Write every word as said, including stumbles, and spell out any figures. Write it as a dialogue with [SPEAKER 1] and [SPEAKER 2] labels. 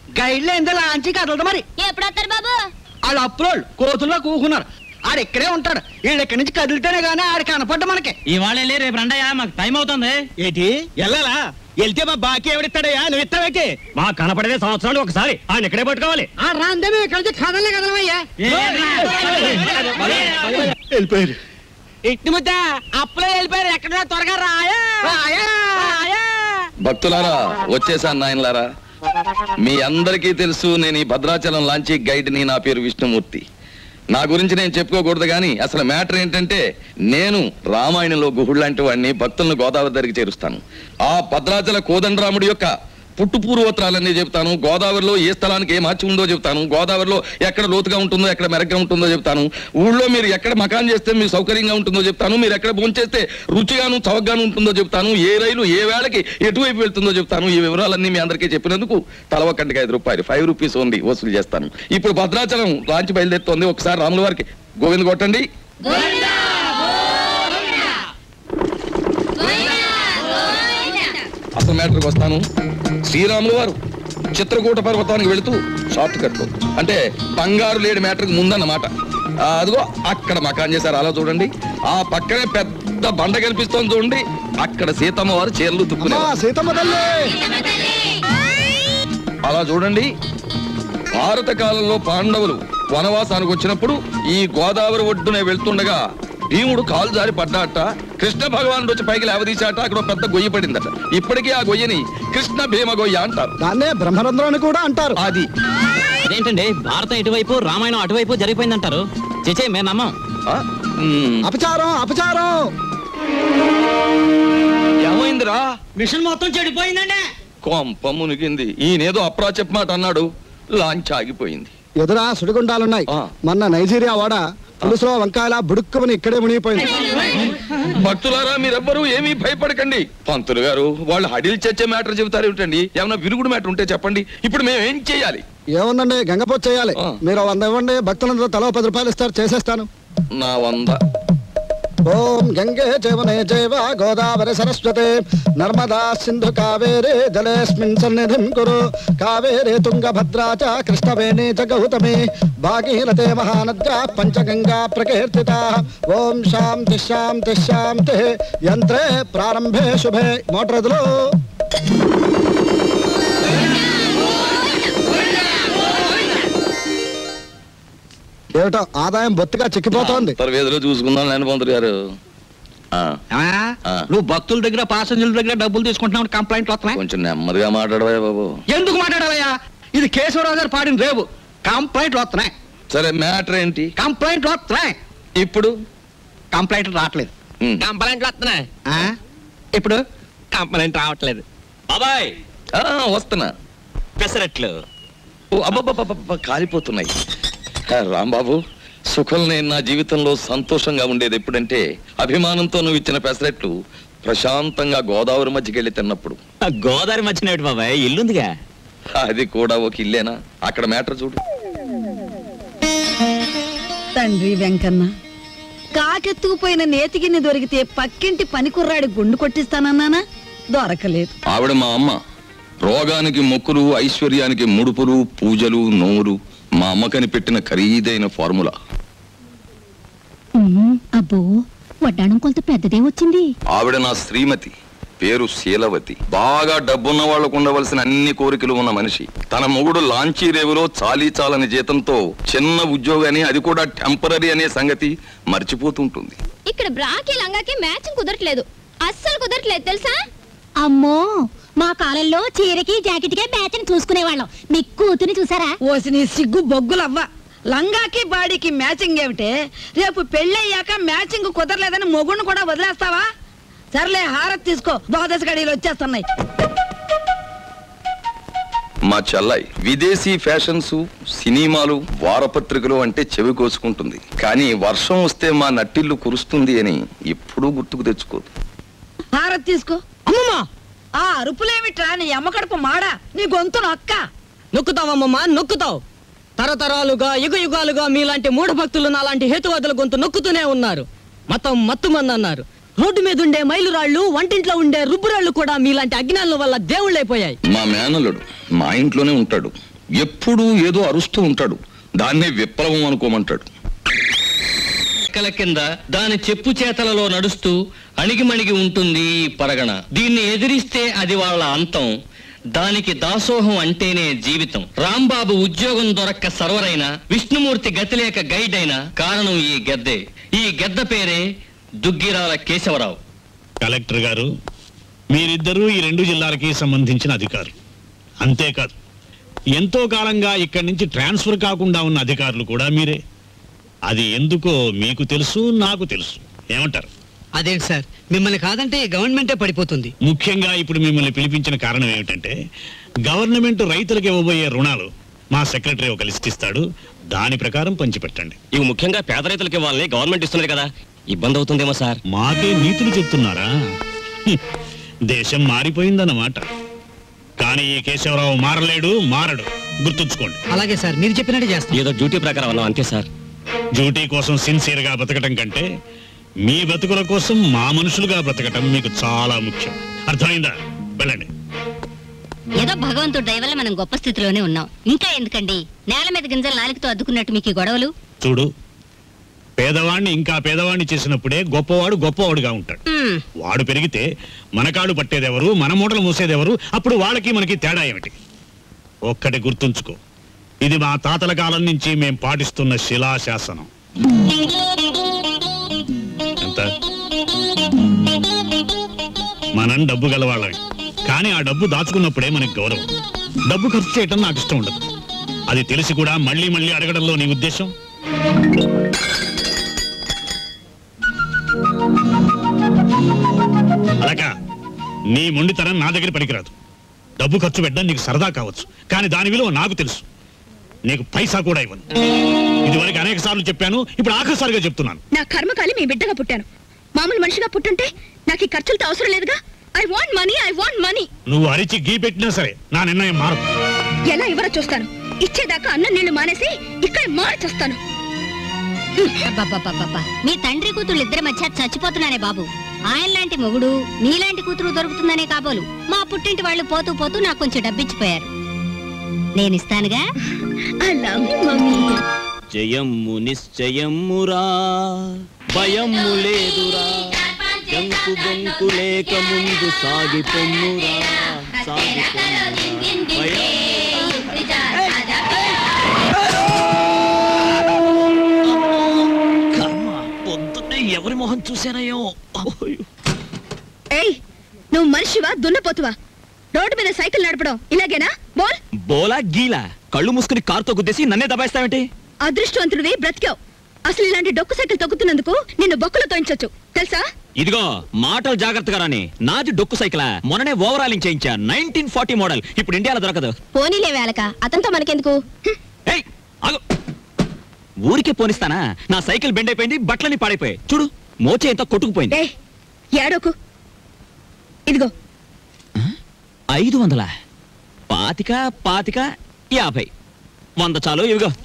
[SPEAKER 1] గైడ్లో ఎంత లాంచి కదలదు మరి.
[SPEAKER 2] ఎప్పుడు వస్తారు బాబు?
[SPEAKER 1] వాళ్ళు అప్పులోళ్ళు కోతుల్లో కూకున్నారు. ఆడు ఇక్కడే ఉంటాడు. వీళ్ళు ఇక్కడి నుంచి కదిలితేనే గానీ ఆడు కనపడ్డ మనకి.
[SPEAKER 3] ఇవాళ వెళ్ళి రేపు రండయ్యా, మాకు టైం అవుతుంది.
[SPEAKER 4] ఏంటి వెళ్ళాలా? వెళ్తే మా బాకీ ఎవడిస్తాడయ్యా? నువ్వు ఇస్తావేకి?
[SPEAKER 3] మా కనపడేదే సంవత్సరాలు ఒకసారి ఆయన ఇక్కడే పట్టుకోవాలి.
[SPEAKER 1] ఆ రాందే మేము ఇక్కడ నుంచి కదలే కదలమయ్యా.
[SPEAKER 4] వెళ్ళిపోయారు.
[SPEAKER 1] ఇంటి ముద్ద అప్పులో వెళ్ళిపోయారు. ఎక్కడ త్వరగా రాయా రాయా.
[SPEAKER 5] భక్తులారా, వచ్చేసాను నాయనలారా. మీ అందరికీ తెలుసు, నేను ఈ భద్రాచలం లాంచీ గైడ్ని. నా పేరు విష్ణుమూర్తి. నా గురించి నేను చెప్పుకోకూడదు కానీ అసలు మ్యాటర్ ఏంటంటే, నేను రామాయణంలో గుహుడు లాంటి వాడిని. భక్తులను గోదావరి దగ్గరికి చేరుస్తాను. ఆ భద్రాచల కోదండరాముడి యొక్క పుట్టు పూర్వోత్తరాలన్నీ చెప్తాను. గోదావరిలో ఏ స్థలానికి ఏ మార్చి ఉందో చెప్తాను. గోదావరిలో ఎక్కడ లోతుగా ఉంటుందో, ఎక్కడ మెరగ్గా ఉంటుందో చెప్తాను. ఊళ్ళో మీరు ఎక్కడ మకాన్ చేస్తే మీకు సౌకర్యంగా ఉంటుందో చెప్తాను. మీరు ఎక్కడ భోంచేస్తే రుచిగాను చవకగాను ఉంటుందో చెప్తాను. ఏ రైలు ఏ వేళకి ఎటువైపు వెళ్తుందో చెప్తాను. ఈ వివరాలన్నీ మీ అందరికీ చెప్పినందుకు తల ఒక్కటికి ఐదు రూపాయలు ఫైవ్ రూపీస్ ఓన్లీ వసూలు చేస్తాను. ఇప్పుడు భద్రాచలం లాంచి బయలుదేరుతోంది. ఒకసారి రాముల వారికి గోవింద కొట్టండి. అసలు మ్యాటర్కి వస్తాను. శ్రీరాములు వారు చిత్రకూట పర్వతానికి వెళుతూ షార్ట్ కట్ లో, అంటే బంగారు లేడి మ్యాటర్కి ముందన్నమాట. అదిగో అక్కడ మకాన్ చేశారు. అలా చూడండి. ఆ పక్కనే పెద్ద బండ కనిపిస్తోంది చూడండి. అక్కడ సీతమ్మ వారు చీరలు తుక్కునే. అలా చూడండి. భారత కాలంలో పాండవులు వనవాసానికి వచ్చినప్పుడు ఈ గోదావరి ఒడ్డునే వెళ్తుండగా భీముడు కాలు జారి పడ్డాట. కృష్ణ భగవానుడు వచ్చి పైకి లేవదీశాట. అక్కడ పెద్ద గొయ్యి పడిందట. ఇప్పటికీ ఆ గొయ్యని కృష్ణ భీమ గొయ్య అంటారు.
[SPEAKER 4] దాన్నే బ్రహ్మరంధ్రం అని కూడా అంటారు.
[SPEAKER 5] అది
[SPEAKER 3] అదేంటండి, భారతం ఇటువైపు రామాయణం అటువైపు జరిగిపోయిందంటారు. చేచే మేము నమ్మం.
[SPEAKER 4] అపచారం అపచారం.
[SPEAKER 5] ఏమైందిరా?
[SPEAKER 3] మిషన్ మొత్తం చెడిపోయిందండి.
[SPEAKER 5] కొంప మునిగింది. ఈయనేదో అప్రా చెప్పమాట అన్నాడు. లాంచ్ ఆగిపోయింది.
[SPEAKER 4] ఎదురా సుడిగుండాలున్నాయి. మొన్న నైజీరియా వాడ పులుసులో వంకాయల బుడుక్కుమని ఇక్కడే మునిగిపోయింది.
[SPEAKER 5] భక్తులారా, మీరెవ్వరూ ఏమీ భయపడకండి. పంతులు గారు వాళ్ళు హడిల్ చచ్చే మ్యాటర్ చెబుతారు ఏమిటండి? ఏమన్నా విరుగుడు మ్యాటర్ ఉంటే చెప్పండి. ఇప్పుడు మేము ఏం చేయాలి?
[SPEAKER 4] ఏముందండి, గంగపోతు చేయాలి. మీరు వంద ఇవ్వండి, భక్తులందరూ తలో పది రూపాయలు ఇస్తారు, చేసేస్తాను.
[SPEAKER 5] నా వంద.
[SPEAKER 4] ఓం గంగే జవనే జైవ గోదావరి సరస్వతే నర్మదా సింధు కావేరే జలేస్మిన్ సన్నిధిం కురు కావేరే తుంగభద్రా చ కృష్ణవేణి చ గౌతమి భాగీరథే మహానద్యా పంచగంగా ప్రకీర్తితా. ఓం శాంతి శాంతి శాంతి. యంత్రే ప్రారంభే శుభే. మోటరదులు ఏమిటో ఆదాయం బొత్తిగా చిక్కిపోతోంది.
[SPEAKER 5] వేదిలో చూసుకుందాం నేను పంతులు గారు.
[SPEAKER 1] నువ్వు భక్తుల దగ్గర పాసెంజర్ల దగ్గర డబ్బులు తీసుకుంటున్నావు, కంప్లైంట్లు వస్తున్నాయి.
[SPEAKER 5] కొంచెం నెమ్మదిగా మాట్లాడవా బాబు.
[SPEAKER 1] ఎందుకు మాట్లాడాలయ్యా? ఇది కేశవరావు గారు పాడిన రేపు. కంప్లైంట్లు వస్తున్నాయి.
[SPEAKER 5] సరే, మ్యాటర్ ఏంటి?
[SPEAKER 1] కంప్లైంట్లు వస్తున్నాయి.
[SPEAKER 5] ఇప్పుడు
[SPEAKER 1] కంప్లైంట్లు రావట్లేదు.
[SPEAKER 3] కంప్లైంట్లు వస్తున్నాయి.
[SPEAKER 1] ఇప్పుడు
[SPEAKER 3] కంప్లైంట్ రావట్లేదు. బాబాయ్
[SPEAKER 5] వస్తున్నా.
[SPEAKER 3] పెసరట్లు
[SPEAKER 5] అబ్బబ్బబ్బ కాలిపోతున్నాయి. రాంబాబు, సుఖం నేను నా జీవితంలో సంతోషంగా ఉండేది ఎప్పుడంటే అభిమానంతో నువ్వు ఇచ్చిన పెసరెట్లు ప్రశాంతంగా గోదావరి మధ్యకి వెళ్ళి తిన్నప్పుడు.
[SPEAKER 3] గోదావరి మధ్యన బాబాయ్ ఇల్లుందిగా.
[SPEAKER 5] అది కూడా ఒక ఇల్లేనా? అక్కడ మ్యాటర్ చూడు.
[SPEAKER 6] తండ్రి వెంకన్న, కాకెత్తుకుపోయిన నేతిగిన్ని దొరికితే పక్కింటి పని కుర్రాడి గుండు కొట్టిస్తానన్నానా, దొరకలేదు.
[SPEAKER 5] ఆవిడ మా అమ్మ. రోగానికి మొక్కులు, ఐశ్వర్యానికి ముడుపులు, పూజలు, నోరు. మా అమ్మకని పెట్టిన ఖరీదైన ఫార్ములా.
[SPEAKER 2] అబ్బో, వడ్డాణం కొంత పెద్దదే వచ్చింది.
[SPEAKER 5] ఆవిడ నా శ్రీమతి. పేరు శీలవతి. బాగా డబ్బున్న వాళ్లకు ఉండవలసిన అన్ని కోరికలు ఉన్న మనిషి. తన మొగుడు లాంచీ రేవులో చాలీ చాలని జీతంతో చిన్న ఉద్యోగాన్ని, అది కూడా టెంపరీ అనే సంగతి మర్చిపోతుంటుంది.
[SPEAKER 2] ఇక్కడ బ్రాకి లంగాకి మ్యాచింగ్ కుదరట్లేదు. అస్సలు కుదరట్లేదు తెలుసా?
[SPEAKER 7] అమ్మో, మా కాలంలో చీరకి జాకెట్కే మ్యాచింగ్ చూసుకునేవాళ్ళం. మీ కూతుని చూసారా?
[SPEAKER 6] ఓసి నీ సిగ్గు బొగ్గులవ్వ. లంగాకి బాడీకి మ్యాచింగ్ ఏమిటే? రేపు పెళ్ళయ్యాక మ్యాచింగ్ కుదరలేదని మొగుడిని కూడా వదిలేస్తావా? సర్లే, హారత్ తీసుకో, ద్వాదశ గడియలు వచ్చేస్తున్నాయి.
[SPEAKER 5] మా చెల్లాయి విదేశీ ఫ్యాషన్స్, సినిమాలు, వారపత్రికలు అంటే చెవి కోసుకుంటుంది. కానీ వర్షం వస్తే మా నట్టిల్లు కురుస్తుంది అని ఎప్పుడూ గుర్తుకు తెచ్చుకోదు.
[SPEAKER 6] హారత్ తీసుకో.
[SPEAKER 3] అమ్మమ్మా,
[SPEAKER 6] ఆ అరుపులేమిట్రా? నీ అమ్మ కడుపు మాడా, నీ గొంతు నొక్క.
[SPEAKER 3] నొక్కుతావమ్మమ్మా, నొక్కుతావు. తరతరాలుగా యుగ యుగాలుగా మీలాంటి మూఢ భక్తులు నాలాంటి హేతువాదుల గొంతు నొక్కుతూనే ఉన్నారు. మతం మత్తుమంది అన్నారు. రోడ్డు మీద ఉండే మైలురాళ్లు, వంటింట్లో ఉండే రుబ్బురాళ్లు కూడా మీలాంటి అజ్ఞానుల వల్ల దేవుళ్ళైపోయాయి.
[SPEAKER 5] మా మేనలుడు మా ఇంట్లోనే ఉంటాడు. ఎప్పుడూ ఏదో అరుస్తూ ఉంటాడు. దాన్నే విప్లవం అనుకోమంటాడు.
[SPEAKER 3] రెక్కల కింద దాని చెప్పు చేతలలో నడుస్తూ అణిగిమణిగి ఉంటుంది ఈ పరగణ. దీన్ని ఎదిరిస్తే అది వాళ్ళ అంతం. దానికి దాసోహం అంటేనే జీవితం. రాంబాబు ఉద్యోగం దొరక్క సర్వరైన, విష్ణుమూర్తి గతిలేక గైడ్ అయిన కారణం ఈ గెద్దే. ఈ గెద్ద పేరే దుగ్గిరాల కేశవరావు.
[SPEAKER 8] కలెక్టర్ గారు, మీరిద్దరూ ఈ రెండు జిల్లాలకి సంబంధించిన అధికారులు. అంతేకాదు, ఎంతో కాలంగా ఇక్కడి నుంచి ట్రాన్స్ఫర్ కాకుండా ఉన్న అధికారులు కూడా మీరే. అది ఎందుకో మీకు తెలుసు, నాకు తెలుసు. ఏమంటారు?
[SPEAKER 1] అదేంటి సార్, మిమ్మల్ని కాదంటే గవర్నమెంటే పడిపోతుంది.
[SPEAKER 8] ముఖ్యంగా ఇప్పుడు మిమ్మల్ని పిలిపించిన కారణం ఏమిటంటే, గవర్నమెంట్ రైతులకు ఇవ్వబోయే రుణాలు మా సెక్రటరీ ఒక లిస్ట్ ఇస్తాడు. దాని ప్రకారం పంచిపెట్టండి.
[SPEAKER 3] ఇవి ముఖ్యంగా పేద రైతులకి వాళ్ళని గవర్నమెంట్ ఇస్తున్నది కదా, ఇబ్బంది అవుతుందేమో సార్.
[SPEAKER 8] మాకే నీతులు చెప్తున్నారా? హ్మ్. దేశం మారిపోయిందన్నమాట. కానీ ఈ కేశవరావు మారలేడు, మారడు. గుర్తుంచుకోండి.
[SPEAKER 1] అలాగే సార్, మీరు చెప్పినట్టు చేస్తాం.
[SPEAKER 3] ఏదో డ్యూటీ ప్రకారం అన్నాం అంతే సార్.
[SPEAKER 8] డ్యూటీ కోసం సిన్సియర్ గా బ్రతకటం కంటే మీ బతుకుల కోసం మా మనుషులుగా బ్రతకటం మీకు చాలా ముఖ్యం. అర్థమైందా? వెళ్ళండి.
[SPEAKER 7] ఏదో భగవంతుడి దయ వల్ల మనం గొప్ప స్థితిలోనే ఉన్నాం. ఇంకా ఎందుకండి నేల మీద గింజలు నాలుగుతో అద్దుకున్నట్టు మీకు ఈ గొడవలు?
[SPEAKER 8] చూడు, పేదవాణ్ణి ఇంకా పేదవాణ్ణి చేసినప్పుడే గొప్పవాడు గొప్పవాడుగా ఉంటాడు.
[SPEAKER 7] మ్మ్.
[SPEAKER 8] వాడు పెరిగితే మనకాడు పట్టేదెవరు, మన మూటలు మూసేదెవరు? అప్పుడు వాళ్ళకి మనకి తేడా ఏమిటి? ఒక్కటి గుర్తుంచుకో, ఇది మా తాతల కాలం నుంచి మేం పాటిస్తున్న శిలాశాసనం. ఎంత? మనం డబ్బు గలవాళ్ళవి, కానీ ఆ డబ్బు దాచుకున్నప్పుడే మనకి గౌరవం. డబ్బు ఖర్చు చేయటం నాకు ఇష్టం ఉండదు. అది తెలిసి కూడా మళ్ళీ మళ్ళీ అడగడంలో నీ ఉద్దేశం? అలాగా నీ మొండితనం నా దగ్గర పనికిరాదు. డబ్బు ఖర్చు పెట్టడం నీకు సరదా కావచ్చు, కానీ దాని విలువ నాకు తెలుసు. నీకు పైసా కూడా ఇవ్వను. ఇదివరకు అనేక సార్లు చెప్పాను, ఇప్పుడు ఆఖరిసారిగా చెప్తున్నాను.
[SPEAKER 2] నా కర్మకాలి మీ బిడ్డగా పుట్టాను. మామూలు మనిషిగా పుట్టుంటే నాకు ఈ ఖర్చులతో అవసరం లేదుగా. I want money, I want money.
[SPEAKER 8] నువ్వు అరిచి గీ పెట్టినా సరే నా నిర్ణయం మారదు.
[SPEAKER 2] ఎలా ఇవ్వరో చూస్తాను. ఇచ్చేదాకా అన్నం నీళ్లు మానేసి ఇక్కడ మార్చేస్తాను.
[SPEAKER 7] అబ్బబ్బబ్బబ్బబ్బా. మీ తండ్రి కూతురు ఇద్దరి మధ్య చచ్చిపోతున్నానే బాబు. ఆయన లాంటి మొగుడు, నీలాంటి కూతురు దొరుకుతుందనే కాబోలు మా పుట్టింటి వాళ్ళు పోతూ పోతూ నాకు కొంచెం డబ్బిచ్చిపోయారు. నేనిస్తానుగా.
[SPEAKER 2] I love you mummy.
[SPEAKER 9] జయమ్ము నిశ్చయమ్మురా, భయమ్ము లేదురా, జంకు బొంకు లేక ముందు సాగిపొమ్మురా, సాగిపొమ్మురా. పొద్దున్నే ఎవరి మొహం చూశానయో.
[SPEAKER 2] ఏయ్, నువ్వు మనిషివా దున్నపోతువా? రోడ్డు మీద సైకిల్ నడపడం ఇలాగేనా? బోల్.
[SPEAKER 9] బోలా గీలా కళ్ళు మూసుకుని కారుతో గుద్దేసి నన్నే దబాయిస్తావేంటి?
[SPEAKER 2] అదృష్టవంతుడివి, బ్రతికావు. అసలు ఇలాంటి డొక్కు సైకిల్ తొక్కుతున్నందుకు నిన్ను బొక్కలు తోయించొచ్చు తెలుసా?
[SPEAKER 9] ఇదిగో మాటలు జాగ్రత్తగా రాని. నాది డొక్కు సైకిలా, మొన్ననే ఓవరాలింగ్ చేయించా. Nineteen forty model. ఇప్పుడు ఇండియాలో దొరకదు.
[SPEAKER 2] పోనీలే వేలక, అతనితో మనకెందుకు?
[SPEAKER 9] ఏయ్ ఆగు. ఊరికే పోనిస్తానా? నా సైకిల్ బెండ్ అయిపోయింది, బట్టలని పాడైపోయాయి. చూడు, మోచే ఎంత కొట్టుకుపోయింది.
[SPEAKER 2] ఏయ్, ఏడోకు. ఇదిగో
[SPEAKER 9] ఐదు వందల పాతిక పాతిక యాభై వంద చాలు. ఇవిగో